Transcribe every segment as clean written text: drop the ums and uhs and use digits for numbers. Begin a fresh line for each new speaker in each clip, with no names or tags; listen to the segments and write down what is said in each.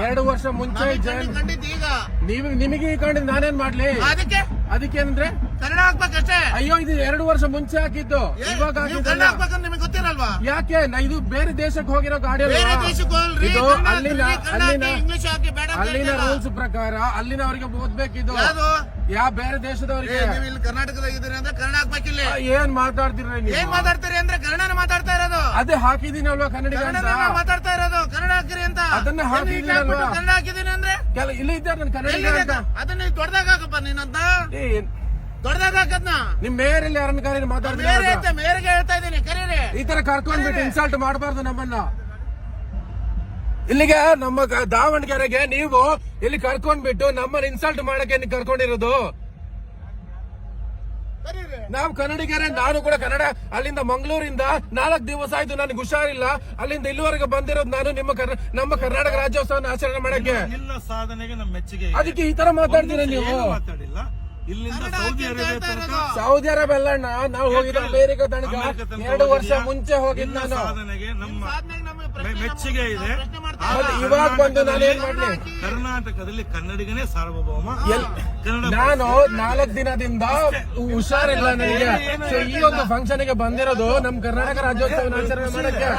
2 ವರ್ಷ ಮುಂಚೆ
ಕಂಡಿದ್ದು ಈಗ
ನಿಮಗೆ ಈ ಕಂಡಿದ್ದು ನಾನೇನ್ ಮಾಡ್ಲಿ? ಅದಕ್ಕೇನಂದ್ರೆ
ಕನ್ನಡ ಹಾಕ್ಬೇಕಷ್ಟೇ.
ಅಯ್ಯೋ, ಇದು 2 ವರ್ಷ ಮುಂಚೆ ಹಾಕಿದ್ದು, ಇವಾಗ
ಕನ್ನಡ ಹಾಕ್ಬೇಕಂತ ನಿಮಗೆ ಗೊತ್ತಿರಲ್ವಾ?
ಯಾಕೆ? ಇದು ಬೇರೆ ದೇಶಕ್ಕೆ ಹೋಗಿರೋ ಗಾಡಿ ಅಲ್ವಾ?
ಬೇರೆ ದೇಶಕ್ಕೆ ಹೋಗ್ರಿ,
ಇದು
ಅಲ್ಲಿನ ಇಂಗ್ಲಿಷ್ ಹಾಕಿ ಬೇಡ
ಅಲ್ಲಿನ ರೂಲ್ಸ್ ಪ್ರಕಾರ ಅಲ್ಲಿನವರಿಗೆ ಓದ್ಬೇಕಿದ್ದು. ಯಾವ ಬೇರೆ ದೇಶದವರಿಗೆ?
ನೀವು ಇಲ್ಲಿ ಕರ್ನಾಟಕದಾಗ ಇದ್ದೀರಿ ಅಂದ್ರೆ ಕನ್ನಡ ಹಾಕ್ಬೇಕಿಲ್ಲ.
ಏನ್ ಮಾತಾಡ್ತೀರಿ ನೀವು?
ಏನ್ ಮಾತಾಡ್ತೀರಿ ಅಂದ್ರೆ ಕನ್ನಡನ ಮಾತಾಡ್ತಾ ಇರೋದು.
ಅದೇ ಹಾಕಿದೀನಿ ಅಲ್ವಾ ಕನ್ನಡ
ಮಾತಾಡ್ತಾ ಇರೋದು. ಕನ್ನಡ ಹಾಕಿರಿ ಅಂತ
ಅದನ್ನ ಹಾಕಿದೀನಿ ಅಲ್ವಾ?
ಕನ್ನಡ ಹಾಕಿದೀನಿ ಅಂದ್ರೆ
ಇಲ್ಲಿ ಇದ್ದಾರೆ ನನ್ನ ಕನ್ನಡ.
ಅದನ್ನ ದೊಡ್ಡದಾಗ ಹಾಕಪ್ಪ ನೀನಂತ, ದೊಡ್ಡದಾಗ ಹಾಕದ್ನ.
ನಿಮ್ ಮೇಯರ್ ಯಾರನ್ನ ಕರೀರಿ ಮಾತಾಡ್ತಾರೆ.
ಮೇರೆಗೆ ಹೇಳ್ತಾ ಇದ್ದೀನಿ, ಕರೀರಿ.
ಈ ತರ ಕರ್ಕೊಂಡ್ಬಿಟ್ಟು ಇನ್ಸಲ್ಟ್ ಮಾಡಬಾರ್ದು ನಮ್ಮನ್ನ. ಇಲ್ಲಿಗೆ ನಮ್ಮ ದಾವಣಗೆರೆಗೆ ನೀವು ಇಲ್ಲಿ ಕರ್ಕೊಂಡ್ಬಿಟ್ಟು ನಮ್ಮನ್ನ ಇನ್ಸಲ್ಟ್ ಮಾಡಕ್ಕೆ ಕರ್ಕೊಂಡಿರೋದು. ನಾವು ಕನ್ನಡಿಗರೇ, ನಾನು ಕೂಡ ಕನ್ನಡ. ಅಲ್ಲಿಂದ ಮಂಗಳೂರಿಂದ 4 ದಿವಸ ಆಯ್ತು, ನನಗೆ ಹುಷಾರಿಲ್ಲ. ಅಲ್ಲಿಂದ ಇಲ್ಲಿವರೆಗೆ ಬಂದಿರೋದು ನಾನು ನಮ್ಮ ಕರ್ನಾಟಕ ರಾಜ್ಯೋತ್ಸವನ ಆಚರಣೆ ಮಾಡಕ್ಕೆ.
ಸಾಧನೆಗೆ ನಮ್ಮ ಮೆಚ್ಚುಗೆ.
ಅದಕ್ಕೆ ಈ ತರ ಮಾತಾಡ್ತೀರ ನೀವು?
ಇಲ್ಲಿಂದ
ಸೌದಿ ಅರೇಬಿಯಾ ಅಲ್ಲ, ನಾವು ಹೋಗಿದ್ದು ಅಮೇರಿಕಾ ತನಕ 2 ವರ್ಷ ಮುಂಚೆ ಹೋಗಿದ್ದು ನಾನು.
ಸಾಧನೆಗೆ ನಮ್ಮ ಮೆಚ್ಚುಗೆ ಇದೆ.
ಇವಾಗ ಬಂದು ನಾನು ಏನ್ ಮಾಡ್ಲಿ?
ಕರ್ನಾಟಕದಲ್ಲಿ ಕನ್ನಡಿಗನೇ ಸಾರ್ವಭೌಮ.
ನಾನು 4 ದಿನದಿಂದ ಹುಷಾರಿಲ್ಲ ನನಗೆ. ಈ ಒಂದು ಫಂಕ್ಷನ್ ಗೆ ಬಂದಿರೋದು ನಮ್ ಕರ್ನಾಟಕ ರಾಜ್ಯೋತ್ಸವ ಆಚರಣೆ ಮಾಡಕ್ಕೆ.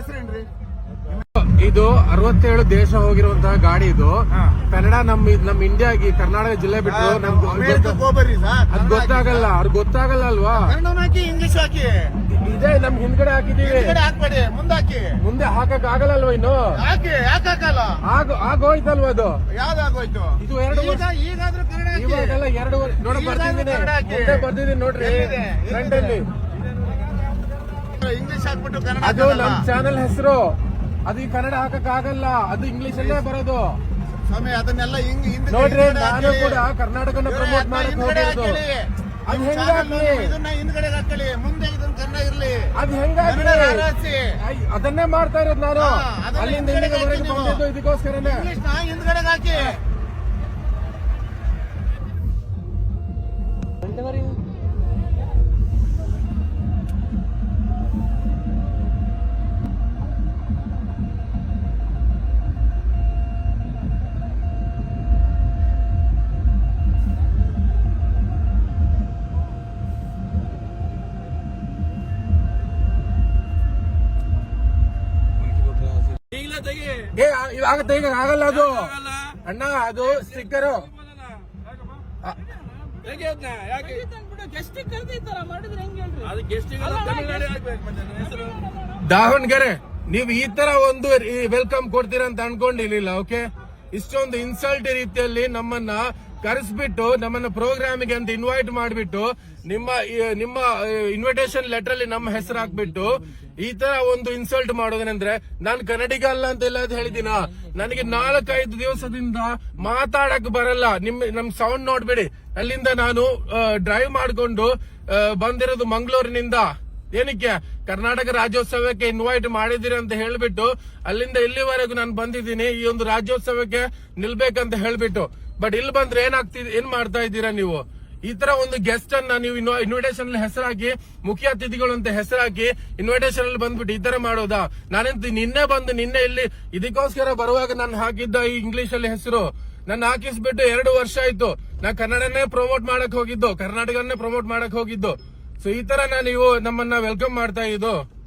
ಇದು 67 ದೇಶ ಹೋಗಿರುವಂತಹ ಗಾಡಿ. ಇದು ಕನ್ನಡ ನಮ್ ಇಂಡಿಯಾಗಿ ಕರ್ನಾಟಕ ಜಿಲ್ಲೆ ಬಿಟ್ಟು ಅದ್ ಗೊತ್ತಾಗಲ್ಲ. ಅವ್ರಿಗೆ ಗೊತ್ತಾಗಲ್ಲ ಅಲ್ವಾ?
ಇಂಗ್ಲಿಷ್ ಹಾಕಿ
ಇದೇ ನಮ್ ಹಿಂದ್ಗಡೆ ಹಾಕಿದೀವಿ.
ಹಾಕ್ಬೇಡಿ,
ಮುಂದೆ ಹಾಕಕ್ ಆಗಲ್ಲ ಅಲ್ವಾ? ಇನ್ನು
ಯಾಕಾಗಲ್ಲ?
ಆಗೋಯ್ತಲ್ವಾ? ಅದು
ಯಾವ್ದಾಗೋಯ್ತು?
ಇದು 2 ವರ್ಷ.
ಈಗಾದ್ರೂ ಕನ್ನಡ
ಇವಾಗೆಲ್ಲ 2 ವರ್ಷ. ನೋಡ ಬರ್ತಿದ್ದೀನಿ ನೋಡ್ರಿ ಫ್ರಂಟ್ ಅಲ್ಲಿ.
ಇಂಗ್ಲಿಷ್ ಹಾಕ್ಬಿಟ್ಟು ಕನ್ನಡ.
ಅದು ನಮ್ ಚಾನೆಲ್ ಹೆಸರು. ಅದು ಈ ಕನ್ನಡ ಹಾಕಕ್ ಆಗಲ್ಲ, ಅದು ಇಂಗ್ಲಿಷ್ ಅಲ್ಲೇ ಬರೋದು.
ಸ್ವಾಮಿ ಅದನ್ನೆಲ್ಲ
ನೋಡ್ರಿ, ನಾನು ಕೂಡ ಕರ್ನಾಟಕನ ಪ್ರಮೋಟ್ ಮಾಡಕ್ ಹೋಗಿರೋದು. ಅದು ಹೆಂಗಾಗ್ಲಿ?
ಇದನ್ನ ಹಿಂದ್ಗಡೆ ಹಾಕೊಳ್ಳಿ, ಮುಂದೆ ಇದನ್ನ ಕನ್ನಡ ಇರ್ಲಿ.
ಅದು ಹೆಂಗಾಗ್ಲಿ? ಅದನ್ನೇ ಮಾಡ್ತಾ ಇರೋದು ನಾನು. ಅಲ್ಲಿಂದ ಇಲ್ಲಿಗೆ ಬಂದಿದ್ದು ಇದಕ್ಕೋಸ್ಕರನೇ.
ಹಿಂದ್ಗಡೆ ಹಾಕಿ.
ಆಗತ್ತೆ, ಈಗ ಆಗಲ್ಲ ಅದು ಅಣ್ಣ. ಅದು ಸ್ಟಿಕ್ಕರ್ ದಾವಣಗೆರೆ. ನೀವು ಈ ತರ ಒಂದು ವೆಲ್ಕಮ್ ಕೊಡ್ತೀರಾ ಅಂತ ಅನ್ಕೊಂಡಿರ್ಲಿಲ್ಲ. ಓಕೆ, ಇಷ್ಟೊಂದು ಇನ್ಸಲ್ಟ್ ರೀತಿಯಲ್ಲಿ ನಮ್ಮನ್ನ ಕರೆಸ್ಬಿಟ್ಟು ನಮ್ಮನ್ನ ಪ್ರೋಗ್ರಾಮಿಗೆ ಅಂತ ಇನ್ವೈಟ್ ಮಾಡಿಬಿಟ್ಟು ನಿಮ್ಮ ಇನ್ವಿಟೇಷನ್ ಲೆಟರ್ ಅಲ್ಲಿ ನಮ್ಮ ಹೆಸರು ಹಾಕ್ಬಿಟ್ಟು ಈ ತರ ಒಂದು ಇನ್ಸಲ್ಟ್ ಮಾಡೋದೇನಂದ್ರೆ, ನಾನು ಕನ್ನಡಿಗ ಅಲ್ಲ ಅಂತ ಎಲ್ಲ ಹೇಳಿದಿನ. ನನಗೆ 4-5 ದಿವಸದಿಂದ ಮಾತಾಡಕ್ ಬರಲ್ಲ. ನಮ್ ಸೌಂಡ್ ನೋಡ್ಬೇಡಿ. ಅಲ್ಲಿಂದ ನಾನು ಡ್ರೈವ್ ಮಾಡ್ಕೊಂಡು ಬಂದಿರೋದು ಮಂಗಳೂರಿನಿಂದ. ಏನಕ್ಕೆ? ಕರ್ನಾಟಕ ರಾಜ್ಯೋತ್ಸವಕ್ಕೆ ಇನ್ವೈಟ್ ಮಾಡಿದಿರಿ ಅಂತ ಹೇಳ್ಬಿಟ್ಟು ಅಲ್ಲಿಂದ ಇಲ್ಲಿವರೆಗೂ ನಾನು ಬಂದಿದ್ದೀನಿ, ಈ ಒಂದು ರಾಜ್ಯೋತ್ಸವಕ್ಕೆ ನಿಲ್ಬೇಕಂತ ಹೇಳ್ಬಿಟ್ಟು. ಬಟ್ ಇಲ್ಲಿ ಬಂದ್ರೆ ಏನ್ ಮಾಡ್ತಾ ಇದ್ದೀರಾ ನೀವು? ಈ ತರ ಒಂದು ಗೆಸ್ಟ್ ಅನ್ನ ನೀವು ಇನ್ವಿಟೇಷನ್ ಅಲ್ಲಿ ಹೆಸರಾಕಿ, ಮುಖ್ಯ ಅತಿಥಿಗಳು ಅಂತ ಹೆಸರಾಕಿ ಇನ್ವಿಟೇಷನ್ ಅಲ್ಲಿ ಬಂದ್ಬಿಟ್ಟು ಈ ತರ ಮಾಡೋದಾ? ನಾನೆಂತ ನಿನ್ನೆ ಇಲ್ಲಿ ಇದಕ್ಕೋಸ್ಕರ ಬರುವಾಗ ನಾನು ಹಾಕಿದ್ದ ಈ ಇಂಗ್ಲಿಷ್ ಅಲ್ಲಿ ಹೆಸರು ನನ್ನ ಹಾಕಿಸ್ಬಿಟ್ಟು 2 ವರ್ಷ ಆಯ್ತು. ನಾ ಕನ್ನಡನೇ ಪ್ರಮೋಟ್ ಮಾಡಕ್ ಹೋಗಿದ್ದು, ಕರ್ನಾಟಕನೇ ಪ್ರಮೋಟ್ ಮಾಡಕ್ ಹೋಗಿದ್ದು. ಸೊ ಈ ತರ ನೀವು ನಮ್ಮನ್ನ ವೆಲ್ಕಮ್ ಮಾಡ್ತಾ ಇದ್ದು.